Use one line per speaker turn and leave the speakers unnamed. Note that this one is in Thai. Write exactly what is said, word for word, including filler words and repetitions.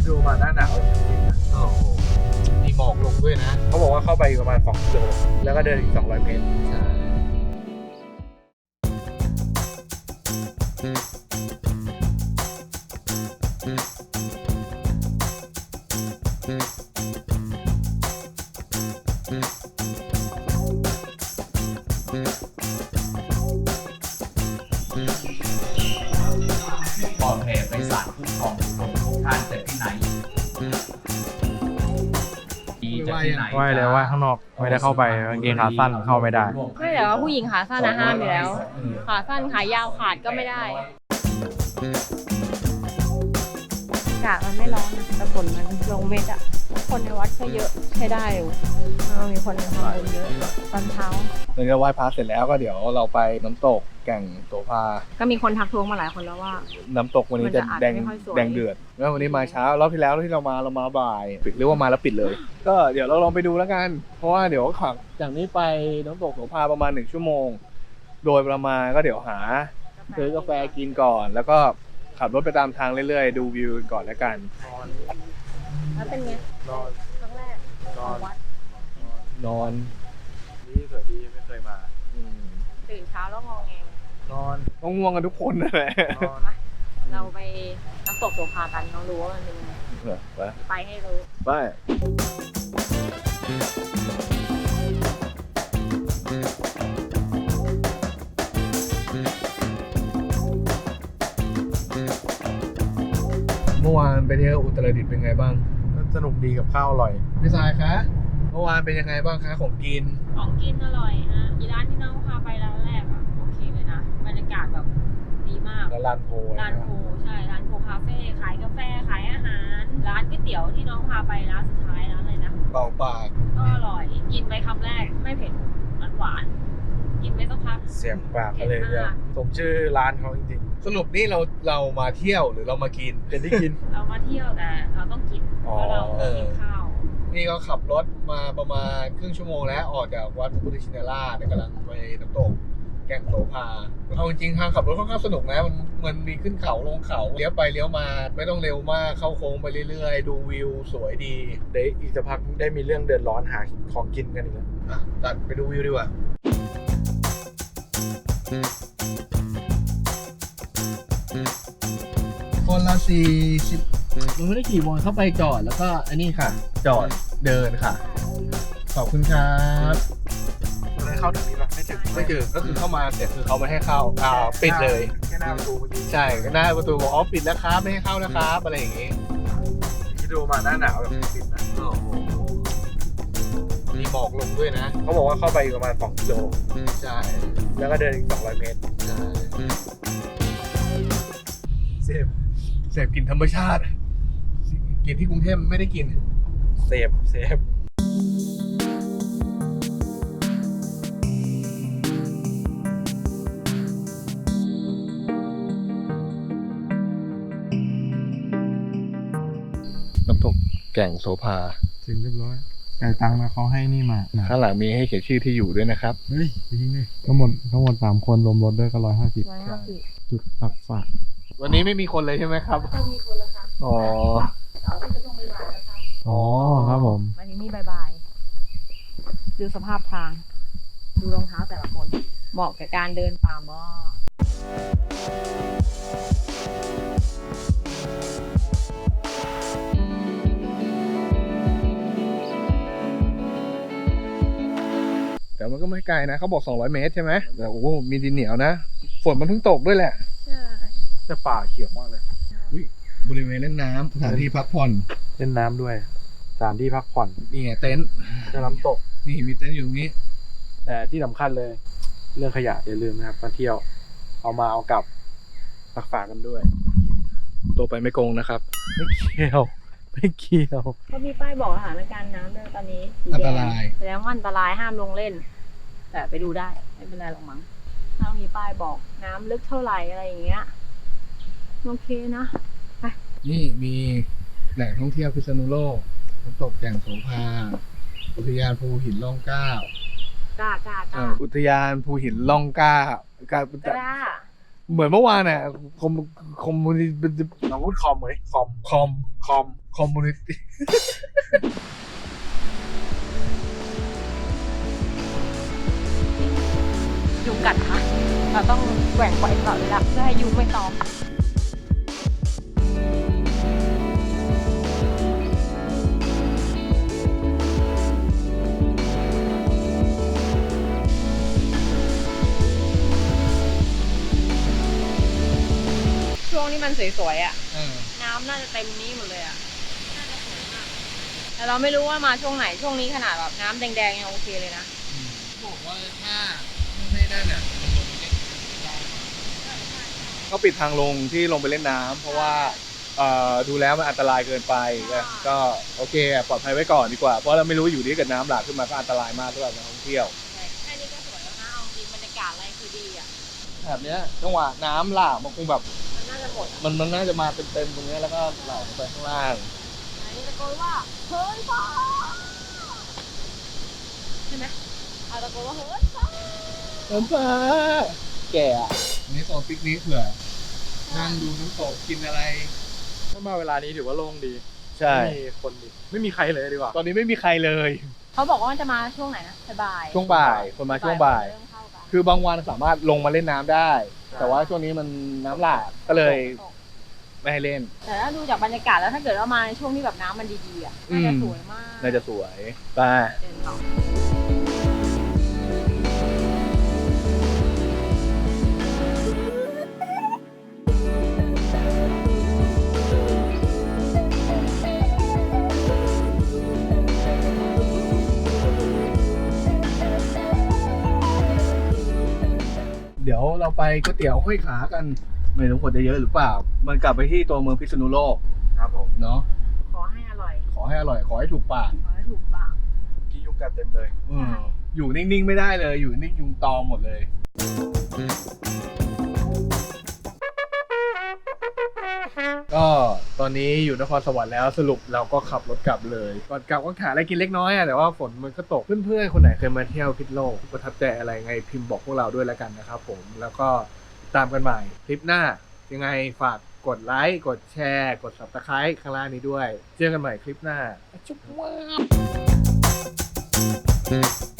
ดูมาหน้าหนาวโอ้โหมีหมอกลงด้วยนะเขาบอกว่าเข้าไปประมาณสองกิโลแล้วก็เดินอีกสองร้อยเมตรใช่
ปลอดภัยไปศาลคุ้มครองผู้คนทุกท่านแต่ที่ไหนดีจากที่ไหน
ว่ายเลยว่ายข้างนอกไม่ได้เข้าไปกางเกงขาสั้นเข้าไม่ได้
ไม่แต่ว่าผู้หญิงขาสั้นนะห้ามอยู่แล้ว ขาสั้นขายาวขาดก็ไม่ได้อากาศมันไม่ร้อนนะแต่ฝนมันลงเม็ดอะคนในวัดก็เยอะใช้ได้อยู่มีคนทำบุญเยอะตอนเช้า
หลังจากไหว้พระเสร็จแล้วก็เดี๋ยวเราไปน้ำตกแก่งโสภา
ก็มีคนทักท้วงมาหลายคนแล้วว่า
น้ำตกวันนี้จะแดง
มันจะอาจจะไม่ค่อยสวย
แดงเดือดแล้ววันนี้มาเช้ารอบที่แล้วที่เรามาเรามาบ่ายปิดหรือว่ามาแล้วปิดเลย ก็เดี๋ยวเราลองไปดูแล้วกัน เพราะว่าเดี๋ยวขับจากนี้ไปน้ำตกโสภาประมาณหนึ่งชั่วโมง โดยประมาณก็เดี๋ยวหาซื้อกาแฟกินก่อน แล้วก็ขับรถไปตามทางเรื่อยๆดูวิวก่อนแล้วกัน
แล้วเป็นไง
นอน
ครั้งแรก
นอน
วัด
นอนนี่สวยดีไม่เคยมา
ตื่นเช้าแล้วงอแง
นอนต้องง่วงกันทุกคนนั่นแหละ
มาเราไปน้ำตกโสภากันน้องรู้ว่ามันเป็นยังไง
ไป
ไปให้รู้
ไปเมื่อวานไปเที่ยวอุตรดิตถ์เป็นไงบ้างสนุกดีกับข้าวอร่อยพี่สายคะเมื่อวานเป็นยังไงบ้างคะของกิน
ของกินอร่อยฮะอีร้านที่น้องพาไปร้านแรกอะโอเคเลยนะบรรยากาศแบบดีมาก
แล้วลานโพ
ร้านโพใช่ร้านโพคาเฟ่ขายกาแฟขายอาหาร ร้านก๋วยเตี๋ยวที่น้องพาไปร้านสุดท้ายร้านอะไรนะ
เป่าปาก
ก็อร่อยกินไปคำแรกไม่เผ็ดหวานหวานๆกินไปสักพัก
เสียงปากเลยเดียวสมชื่อร้านเขาจริงๆสรุปนี่เราเรามาเที่ยวหรือเรามากินเป็นที่กิน
เรามาเที่ยวแต่เราต้องกินเพราะเรากินข้าว
นี่ก็ขับรถมาประมาณครึ่งชั่วโมงแล้วออกจากวัดพระพุทธชินราชกำลังไปน้ำตกแก่งโสภาเอาจริงๆทางขับรถค่อนข้างสนุกนะมันมันมีขึ้นเขาลงเขาเลี้ยวไปเลี้ยวมาไม่ต้องเร็วมากเข้าโค้งไปเรื่อยๆดูวิวสวยดีเดี๋ยวอีกสักพักได้มีเรื่องเดือดร้อนหาของกินกันอีกแล้วอ่ะตัดไปดูวิวดีกว่าคนละสี่สิบมันไม่ได้ขี่วนเข้าไปจอดแล้วก็อันนี้ค่ะ จอดเดินค่ะ ขอบคุณครับอะไรเข้าถึงนี้ป่ะไม่ถึงไม่ถึงก็คือเข้ามาเสร็จคือเขาไม่ให้เข้าอ่าปิดเลยแค่หน้าประตูเมื่อกี้ใช่หน้าประตูบอกอ๋อปิดแล้วครับไม่ให้เข้านะครับอะไรอย่างงี้ที่ดูมาหน้าหนาวแบบปิดนะโอ้โหมีหมอกลงด้วยนะเขาบอกว่าเข้าไปประมาณสองกิโลใช่แล้วก็เดินอีกสองร้อยเมตรใช่เสพเสพกินธรรมชาติกินที่กรุงเทพไม่ได้กินเสพเสพน้ำตกแก่งโสภา
ถึงเรียบร้อยจ่ายตังค์นะเขาให้นี่มานะ
ข้างหลังมีให้เขียนชื่อที่อยู่ด้วยนะครับ
เฮ้ยจริงดิทั้งหมดทั้งหมดสามคนรวมรถด้วยก็ร้อยห้าสิบ
ร้อยห้าสิบ
จุดตักฝาก
วันนี้ไม่มีคนเลยใช่ไหมครับ
ก็มีคนละค่ะ
อ๋อ
เอาที่จะต้องไปบ่ายแล้วค่ะ
อ๋อครับผม
วันนี้นี่บายๆดูสภาพทาง ดูรองเท้าแต่ละคน เหมาะกับการเดินป่าหม้อ
แต่มันก็ไม่ไกลนะเขาบอกสองร้อยเมตรใช่ไหมแต่โอ้โหมีดินเหนียวนะฝนมันเพิ่งตกด้วยแหละ
ใช่
แต่ป่าเขียวมากเลย
บริเวณเล่นน้ำสถานที่พักผ่อน
เล่นน้ำด้วยสถานที่พักผ่อน
นี่ไงเต็นท์
จะน้ำตก
นี่มีเต็นท์อยู่ตรงนี้
แต่ที่สำคัญเลย เรื่องขยะอย่าลืมนะครับมาเที่ยวเอามาเอากลับตักฝากกันด้วย
ตัวไปไม่โกงนะครับ
ไม่เกี่ยวไม่เกี่ยว
เขามีป้ายบอกสถานการณ์น้ำด้วยตอนนี้สี
อัน
แด
ต
ง
ราย
แสดงว่าอันตรายห้ามลงเล่น แต่ไปดูได้ไม่เป็นไรหรอกมั้งถ้ามีป้ายบอกน้ำลึกเท่าไหร่อะไรอย่างเงี้ยโอเคนะ
นี่มีแหล่งท่องเที่ยวพิษณุโลกน้ำตกแก่งโสภาอุทยานภูหินร่องเกล้าก
ล้ากล้ากล้า
อุทยานภูหินร่องเกล้ากล้า
กล้า
เหมือนเมื่อวานน่ะคอมคอมมูนิ
เราพูดคอมไหมคอม
คอมคอมคคอมมูนิตี้
ยุงกัดค่ะเราต้องแกว่งไกวตลอดเวลาเพื่อให้ยุงไม่ตอมช่วงนี้มันสวยๆอ่ะ น้ำน่าจะเต็มนี้หมดเลยอ่ะน่าจะสวยมากแต่เราไม่รู้ว่ามาช่วงไหนช่วงนี้ขนาดแบบน้ำแดงๆยังโอเคเลยนะ
บอกว่าถ้าไม่ได้น่ะเขาปิดทางลงที่ลงไปเล่นน้ำเพราะว่าเอ่อดูแล้วมันอันตรายเกินไปก็โอเคปลอดภัยไว้ก่อนดีกว่าเพราะเราไม่รู้อยู่ดีเกิดน้ำหลากขึ้นมาก็อันตรายมากสำหรับนักท่องเที่ยว
แค่นี้ก็สวยแล้วนะเอาจริงบรรยากาศอะไรคือดีอ่ะ
แบบเนี้ยจังหวะน้ำหลากมันคงแบบ
มันน่าจะหมดอะ
มันมันน่าจะมาเต็มๆตรงเนี้ยแล้วก็ไหลลงไปข้างล่าง
อันนี้ตะโกนว่าเฮ้ยฟ้าใช่ไหมเอาตะโกนว่าเฮ้ยฟ้า
น้ำฟ้าแก่อะนี่โซนปิกนิกเผื่อนั่งดูน้ำตกกินอะไร
ถ้ามาเวลานี้ถือว่าโล่งดี
ใช่
ไม่มีคนดิไม่มีใครเลยดีกว่า
ตอนนี้ไม่มีใครเลย
เขาบอกว่ามันจะมาช่วงไหนนะบ่าย
ช่วงบ่ายคนมาช่วงบ่าย
เริ่มเข้ากัน
คือบางวันสามารถลงมาเล่นน้ำได้ แต่ว่าช่วงนี้มันน้ำหลากก็เลย
ตก
ไม่ให้เล่น
แต่ถ้าดูจากบรรยากาศแล้วถ้าเกิดว่ามาในช่วงที่แบบน้ำมันดีๆอ่ะ
อื
น่าม จะสวยมาก
น่าจะสวยไป
เดินต่อ
เดี๋ยวเราไปก๋วยเตี๋ยวห้อยขากันไม่รู้คนจะเยอะหรือเปล่า มันกลับไปที่ตัวเมืองพิษณุโลก
ครับผม
เนาะ
ขอให้อร่อย
ขอให้อร่อยขอให้ถูกปาก
ขอให้ถูกปาก
กี่ยุงกัดเต็มเลย
อืมอยู่นิ่งๆไม่ได้เลย อยู่นิ่งยุงตอมหมดเลย ก็ตอนนี้อยู่นครสวรรค์แล้วสรุปเราก็ขับรถกลับเลยก่อนกลับก็หาอะไรกินเล็กน้อยอะแต่ว่าฝนมันก็ตกเพื่อนๆคนไหนเคยมาเที่ยวพิษณุโลกประทับใจอะไรไงพิมพ์บอกพวกเราด้วยแล้วกันนะครับผมแล้วก็ตามกันใหม่คลิปหน้ายังไงฝากกดไลค์กดแชร์กด ซับสไครบ์ ข้างล่างนี้ด้วยเจอกันใหม่คลิปหน้าจุ๊บว้าว